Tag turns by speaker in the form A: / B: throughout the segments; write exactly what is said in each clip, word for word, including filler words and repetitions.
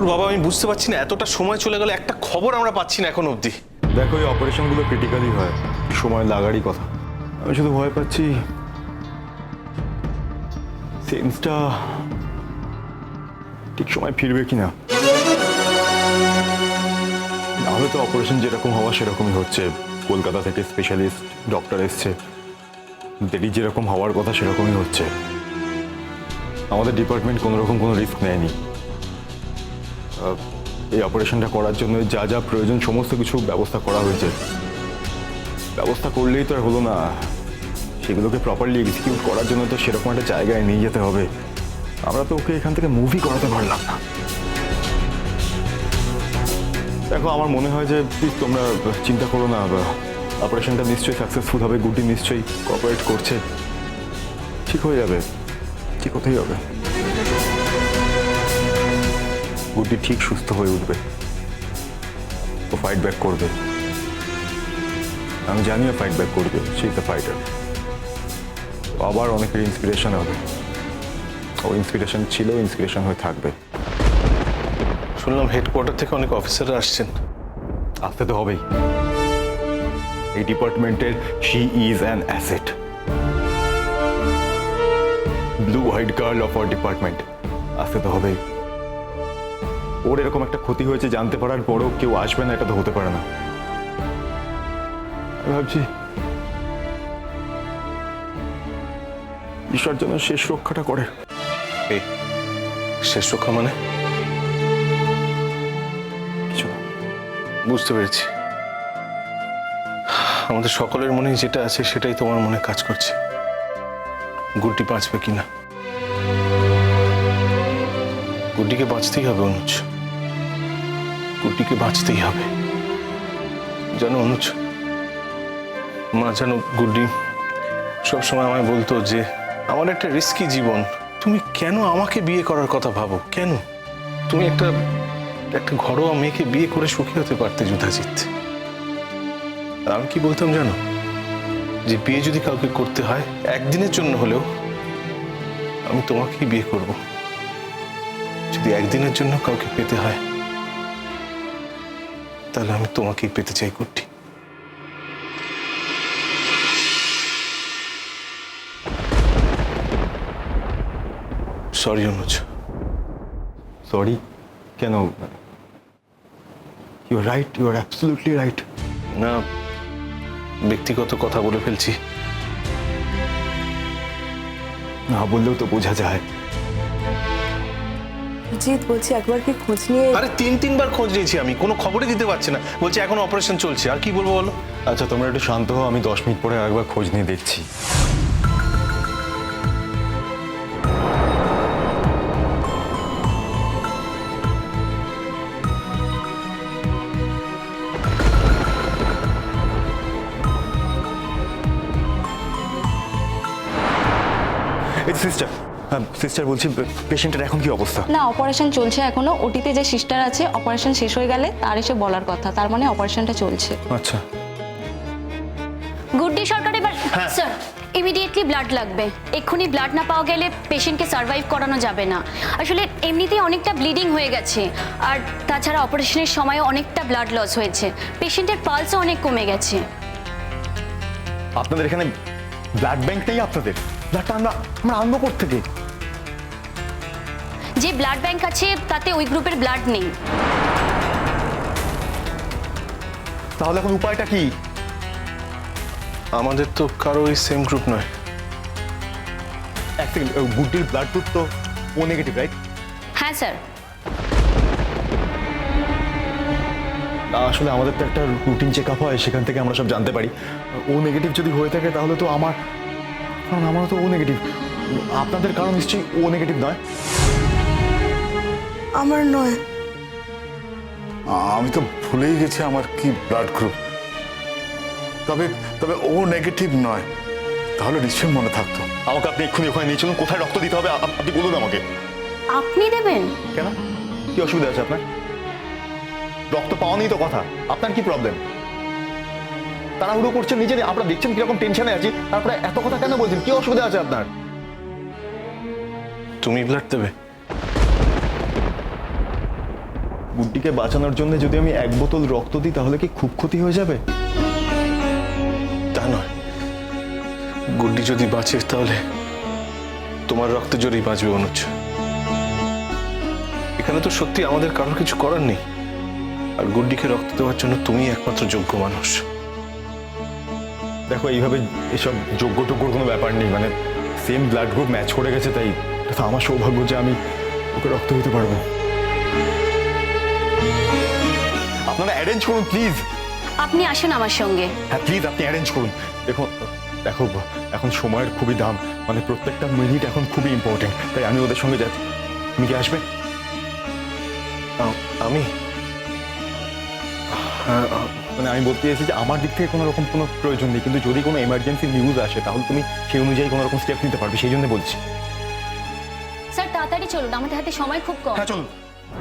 A: ঠাকুর বাবা, আমি বুঝতে পারছি না, এতটা সময় চলে গেল, একটা খবর আমরা পাচ্ছি না এখন অবধি।
B: দেখো, এই অপারেশনগুলো ক্রিটিক্যালি হয়, সময় লাগারই কথা। আমি শুধু ভয় পাচ্ছি সেন্সটা ঠিক সময় ফিরবে কিনা। নাহলে তো অপারেশন যেরকম হওয়া সেরকমই হচ্ছে। কলকাতা থেকে স্পেশালিস্ট ডক্টর এসছে, দেরি যেরকম হওয়ার কথা সেরকমই হচ্ছে। আমাদের ডিপার্টমেন্ট কোনো রকম কোনো রিস্ক নেয়নি। এই অপারেশনটা করার জন্য যা যা প্রয়োজন সমস্ত কিছু ব্যবস্থা করা হয়েছে। ব্যবস্থা করলেই তো আর হলো না, সেগুলোকে প্রপারলি এক্সিকিউট করার জন্য তো সেরকম একটা জায়গায় নিয়ে যেতে হবে। আমরা তো ওকে এখান থেকে মুভি করাতে পারলাম না। দেখো, আমার মনে হয় যে প্লিজ তোমরা চিন্তা করো না, অপারেশনটা নিশ্চয়ই সাকসেসফুল হবে। গুড্ডি নিশ্চয়ই কোঅপারেট করছে, ঠিক হয়ে যাবে, ঠিক হতেই হবে। গুড্ডি ঠিক সুস্থ হয়ে উঠবে, ও ফাইট ব্যাক করবে। আমি জানি ও ফাইট ব্যাক করবে, সে ইজ দ্য ফাইটার। আবার অনেকের ইন্সপিরেশন হবে, ও ইন্সপিরেশন ছিল, ইন্সপিরেশন হয়ে থাকবে।
A: শুনলাম হেডকোয়ার্টার থেকে অনেক অফিসাররা আসছেন।
B: আসতে তো হবেই, এই ডিপার্টমেন্টের she is an asset, blue white girl of our department. আসতে তো হবেই। ওর এরকম একটা ক্ষতি হয়েছে জানতে পারার পরও কেউ আসবে না, এটা তো হতে পারে না। আমি ভাবছি ঈশ্বর যেন শেষ রক্ষাটা করে।
A: এই শেষ রক্ষা মানে?
B: কিছু না।
A: বুঝতে পেরেছি। আমাদের সকলের মনে যেটা আছে সেটাই তোমার মনে কাজ করছে। গুড্ডি বাঁচবে কিনা। গুড্ডিকে বাঁচতেই হবে অনুজ, গুড্ডিকে বাঁচতেই হবে। জানো অনুজ, মা জানো, গুড্ডি সবসময় আমায় বলতো যে আমার একটা রিস্কি জীবন, তুমি কেন আমাকে বিয়ে করার কথা ভাবো? কেন? তুমি একটা একটা ঘরোয়া মেয়েকে বিয়ে করে সুখী হতে পারতে যুধাজিৎ। আমি কি বলতাম জানো, যে বিয়ে যদি কাউকে করতে হয় একদিনের জন্য হলেও আমি তোমাকেই বিয়ে করব। যদি একদিনের জন্য কাউকে পেতে হয় তাহলে আমি তোমাকেই পেতে চাই গুড্ডি। সরি অনুজ।
B: সরি কেন? You are right, you are absolutely right.
A: না, ব্যক্তিগত কথা বলে ফেলছি।
B: না বললেও তো বোঝা যায়।
C: জিৎ বলছি, একবার কি খোঁজ নিয়ে?
A: আরে তিন তিনবার খোঁজ নিয়েছি আমি, কোনো খবরই দিতে পারছি না। বলছে এখন অপারেশন চলছে, আর কি বলবো বলো?
B: আচ্ছা তোমরা একটু শান্ত হও, আমি দশ মিনিট পরে একবার খোঁজ নিয়ে দেখছি। সিস্টার, সিস্টার বলছি, পেশেন্টের এখন কি অবস্থা?
D: না, অপারেশন চলছে এখনো। ওটিতে যে সিস্টার আছে, অপারেশন শেষ হয়ে গেলে তার এসে বলার কথা, তার মানে অপারেশনটা চলছে।
B: আচ্ছা।
E: গুড্ডি সরকার এবার স্যার ইমিডিয়েটলি ব্লাড লাগবে। এক্ষুনি ব্লাড না পাওয়া গেলে পেশেন্টকে সার্ভাইভ করানো যাবে না। আসলে এমনিতেই অনেকটা ব্লিডিং হয়ে গেছে, আর তাছাড়া অপারেশনের সময় অনেকটা ব্লাড লস হয়েছে। পেশেন্টের পালসও অনেক কমে গেছে।
B: আপনাদের এখানে ব্লাড ব্যাংক নেই? আপনাদের ব্লাডটা আমরা আমরা আনবো কোত্থেকে?
E: যে ব্লাড ব্যাংক আছে তাতে ওই গ্রুপের ব্লাড নেই।
B: তাহলে এখন উপায়টা কি?
A: আমাদের তো কারো এই সেম গ্রুপ নয়।
B: এক সেকেন্ড, গুড্ডির ব্লাড গ্রুপ তো ও নেগেটিভ, রাইট?
E: হ্যাঁ স্যার।
B: আসলে আমাদের তো একটা রুটিন চেক আপ হয়, সেখান থেকে আমরা সব জানতে পারি। ও নেগেটিভ যদি হয়ে থাকে তাহলে তো আমার, কারণ আমারও তো ও নেগেটিভ। আপনাদের কারণ নিশ্চয়ই ও নেগেটিভ নয়?
C: আমার নয়।
F: আমি তো ভুলেই গেছি আমার কি ব্লাড গ্রুপ। তবে তবে ও নেগেটিভ নয়, তাহলে নিশ্চয়ই মনে থাকতো।
B: আমাকে আপনি এক্ষুনি ওখানে নিয়ে চলুন। কোথায় রক্ত দিতে হবে আপনি বলুন আমাকে।
E: আপনি দেবেন?
B: কেন, কি অসুবিধা আছে আপনার? রক্ত পাওয়া নেই তো কথা, আপনার কি প্রবলেম? তাড়াহুড়ো করছেন নিজে, আপনারা দেখছেন কিরকম টেনশনে আছি, তারপরে এত কথা কেন বলছেন? কি অসুবিধা আছে আপনার?
A: তুমি ব্লাড দেবে?
B: গুড্ডিকে বাঁচানোর জন্য যদি আমি এক বোতল রক্ত দিই তাহলে কি খুব ক্ষতি হয়ে যাবে?
A: তা নয়, গুড্ডি যদি বাঁচে তাহলে তোমার রক্তে জোরেই বাঁচবে অনুজ। এখানে তো সত্যি আমাদের কারোর কিছু করার নেই, আর গুড্ডিকে রক্ত দেওয়ার জন্য তুমি একমাত্র যোগ্য মানুষ।
B: দেখো, এইভাবে এসব যোগ্য টোগ্যর কোনো ব্যাপার নেই, মানে সেম ব্লাড গ্রুপ ম্যাচ করে গেছে, তাই এটা তো আমার সৌভাগ্য যে আমি ওকে রক্ত দিতে পারবো। আপনারা অ্যারেঞ্জ করুন প্লিজ।
E: আপনি আসুন আমার সঙ্গে।
B: হ্যাঁ প্লিজ, আপনি অ্যারেঞ্জ করুন। দেখুন, দেখো এখন সময়ের খুবই দাম, মানে প্রত্যেকটা মিনিট এখন খুবই ইম্পর্টেন্ট, তাই আমি ওদের সঙ্গে যাচ্ছি। তুমি কি আসবে?
A: আ- আমি হ্যাঁ, আ-
B: মানে আমি বলতে চাইছি যে আমার দিক থেকে কোনো রকম কোনো প্রয়োজন নেই, কিন্তু যদি কোনো এমার্জেন্সি নিউজ আসে তাহলে তুমি সেই অনুযায়ী কোনো রকম স্টেপ নিতে পারবে, সেই জন্য বলছি।
E: স্যার তাড়াতাড়ি চলুন, আমাদের হাতে সময় খুব কম।
B: হ্যাঁ চলুন।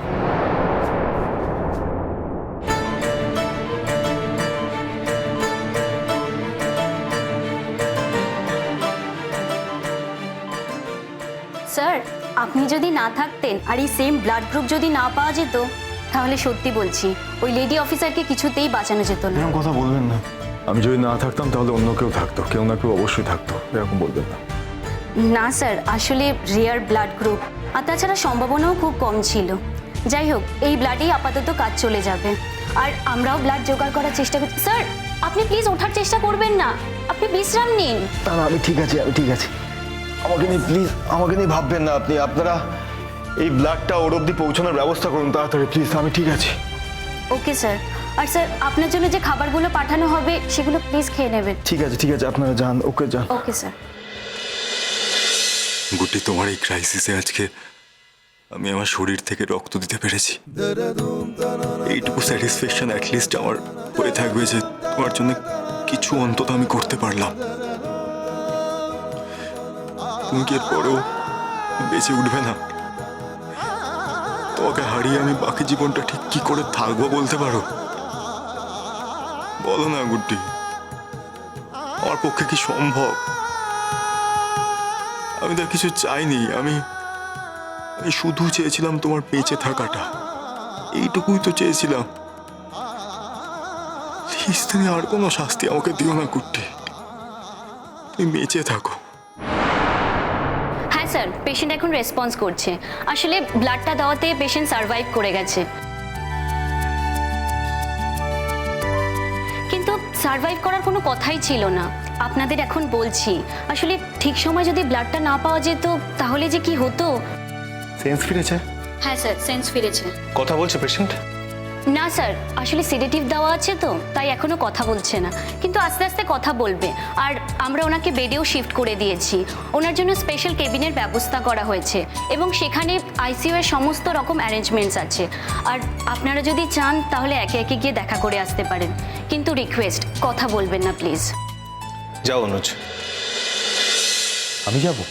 E: স্যার, আপনি যদি না থাকতেন আর এই সেম ব্লাড গ্রুপ যদি না পাওয়া যেত, তাহলে সত্যি বলছি ওই লেডি অফিসারকে কিছুতেই বাঁচানো যেত না।
B: এরকম কথা বলবেন না। আমি যদি না থাকতাম তাহলে অন্য কেউ থাকতো, কেউ না কেউ অবশ্যই থাকতো, এরকম বলবেন না।
E: না স্যার, আসলে রেয়ার ব্লাড গ্রুপ, আর তাছাড়া সম্ভাবনাও খুব কম ছিল। যাই হোক, এই ব্লাডেই আপাতত কাজ চলে যাবে, আর আমরাও ব্লাড জোগাড় করার চেষ্টা করছি। স্যার, আপনি প্লিজ ওঠার চেষ্টা করবেন না, আপনি বিশ্রাম নিন।
B: না না, আমি ঠিক আছি, আমি ঠিক আছি। আমাকে নিয়ে প্লিজ, আমাকে নিয়ে ভাববেন না আপনি। আপনারা এই ব্লাডটা ওর অব্দি পৌঁছানোর ব্যবস্থা করুন তাড়াতাড়ি প্লিজ। আমি ঠিক আছি।
E: Okay sir. আর স্যার, আপনার জন্য যে খাবারগুলো পাঠানো হবে সেগুলো প্লিজ খেয়ে নেবেন।
B: ঠিক আছে ঠিক আছে, আপনারা যান। ওকে যান।
E: Okay sir.
G: গুটি, তোমার এই ক্রাইসিসে আজকে আমি আমার শরীর থেকে রক্ত দিতে পেরেছি। এইটুকু স্যাটিসফ্যাকশন অ্যাটলিস্ট আমার হয়ে থাকবে যে তোমার জন্য কিছু অন্তত আমি করতে পারলাম। তুমি কি এরপরেও বেঁচে উঠবে না? তোমাকে হারিয়ে আমি বাকি জীবনটা ঠিক কি করে থাকবো বলতে পারো? বলো না গুড্ডি, আমার পক্ষে কি সম্ভব? আমি তো কিছু চাইনি, আমি আমি শুধু চেয়েছিলাম তোমার বেঁচে থাকাটা, এইটুকুই তো চেয়েছিলাম। প্লিজ তুমি আর কোনো শাস্তি আমাকে দিও না গুড্ডি, তুমি বেঁচে থাকো।
E: হ্যাঁ স্যার, পেশেন্ট এখন রেসপন্স করছে। আসলে ব্লাডটা দেওয়াতে পেশেন্ট সার্ভাইভ করে গেছে, কিন্তু সার্ভাইভ করার কোনো কথাই ছিল না। আপনাদের এখন বলছি, আসলে ঠিক সময় যদি ব্লাডটা না পাওয়া যেত তাহলে যে কি হতো।
B: সেন্স ফিরেছে?
E: হ্যাঁ স্যার, সেন্স ফিরেছে।
A: কথা বলছে পেশেন্ট?
E: না স্যার, আসলে সিডেটিভ দেওয়া আছে তো, তাই এখনো কথা বলছে না, কিন্তু আস্তে আস্তে কথা বলবে। আর আমরা ওনাকে বেডেও শিফট করে দিয়েছি, ওনার জন্য স্পেশাল কেবিনের ব্যবস্থা করা হয়েছে, এবং সেখানে আইসিইউ এর সমস্ত রকম অ্যারেঞ্জমেন্টস আছে। আর আপনারা যদি চান তাহলে একে একে গিয়ে দেখা করে আসতে পারেন, কিন্তু রিকোয়েস্ট, কথা বলবেন না প্লিজ।
A: যাও অনুজ।
B: আমি যাব?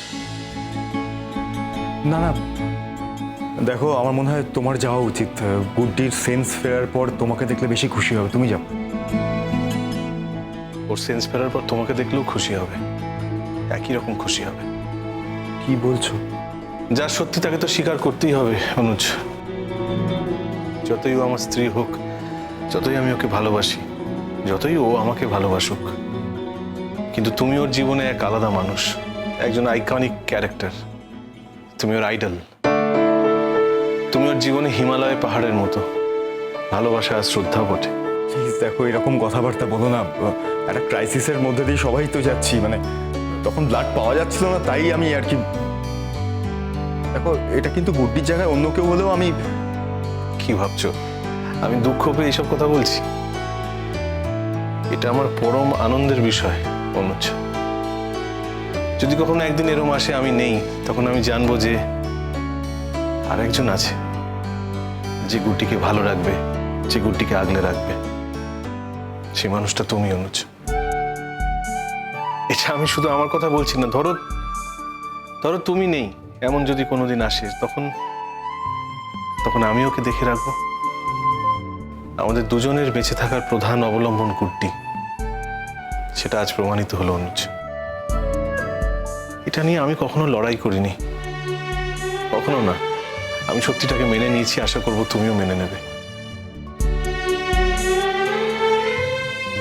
B: না না, দেখো আমার মনে হয় তোমার যাওয়া উচিত। গুড্ডির সেন্স ফেরার পর তোমাকে দেখলে বেশি খুশি হবে, তুমি যাও।
A: ওর সেন্স ফেরার পর তোমাকে দেখলেও খুশি হবে, একই রকম খুশি হবে।
B: কি বলছো?
A: যা সত্যি তাকে তো স্বীকার করতেই হবে অনুজ। যতই ও আমার স্ত্রী হোক, যতই আমি ওকে ভালোবাসি, যতই ও আমাকে ভালোবাসুক, কিন্তু তুমি ওর জীবনে এক আলাদা মানুষ, একজন আইকনিক ক্যারেক্টার। তুমি ওর আইডল, তুমি ওর জীবনে হিমালয় পাহাড়ের মতো ভালোবাসা আর শ্রদ্ধা বটে।
B: প্লিজ দেখো, এরকম কথাবার্তা বলো না। একটা ক্রাইসিসের মধ্যে দিয়ে সবাই তো যাচ্ছি, মানে তখন ব্লাড পাওয়া যাচ্ছিল না, তাই আমি আর কি। দেখো, এটা কিন্তু গুড্ডির জায়গায় অন্য কেউ হলেও আমি।
A: কি ভাবছো আমি দুঃখ পেয়ে এইসব কথা বলছি? এটা আমার পরম আনন্দের বিষয় অনুজ। যদি কখনো একদিন এরম আসে আমি নেই, তখন আমি জানবো যে আরেকজন আছে যে গুড্ডিকে ভালো রাখবে, যে গুড্ডিকে আগলে রাখবে। সেই মানুষটা তুমি অনুজ। এটা আমি শুধু আমার কথা বলছি না, ধরো ধরো তুমি নেই, এমন যদি কোনোদিন আসে, তখন তখন আমি ওকে দেখে রাখবো। আমাদের দুজনের বেঁচে থাকার প্রধান অবলম্বন গুড্ডি, সেটা আজ প্রমাণিত হলো অনুজ। এটা নিয়ে আমি কখনো লড়াই করিনি, কখনো না। আমি সত্যিটাকে মেনে নিয়েছি, আশা করবো তুমিও মেনে নেবে।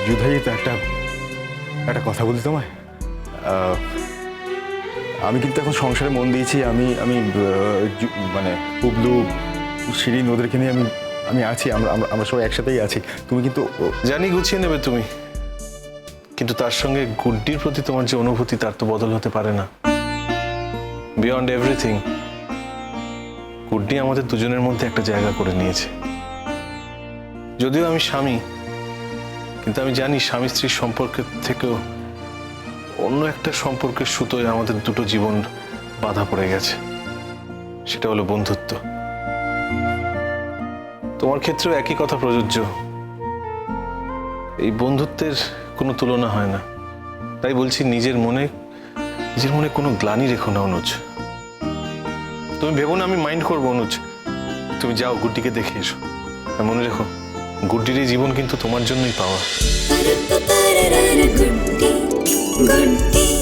B: যুধাই তো একটা একটা কথা বলি তোমায়। আহ, আমি কিন্তু এখন সংসারে মন দিয়েছি। আমি আমি আহ, জু- মানে পুবলু, শিরিন ওদেরকে নিয়ে আমি আমি আছি। আমরা আমরা আমরা সবাই একসাথেই আছি। তুমি কিন্তু ও-
A: জানি গুছিয়ে নেবে তুমি, কিন্তু তার সঙ্গে গুড্ডির প্রতি তোমার যে অনুভূতি তার তো বদল হতে পারে না। বিয়ন্ড এভরিথিং গুড্ডি আমাদের দুজনের মধ্যে একটা জায়গা করে নিয়েছে। যদিও আমি স্বামী, কিন্তু আমি জানি স্বামী স্ত্রীর সম্পর্কের থেকেও অন্য একটা সম্পর্কের সুতোয় আমাদের দুটো জীবন বাঁধা পড়ে গেছে। সেটা হলো বন্ধুত্ব। তোমার ক্ষেত্রেও একই কথা প্রযোজ্য। এই বন্ধুত্বের কোনো তুলনা হয় না। তাই বলছি, নিজের মনে নিজের মনে কোনো গ্লানি রেখো না অনুজ। তুমি ভেবো না আমি মাইন্ড করবো অনুজ। তুমি যাও, গুড্ডিকে দেখে এসো। আর মনে রেখো, গুড্ডির এই জীবন কিন্তু তোমার জন্যই পাওয়া।
H: গুড্ডি গুড্ডি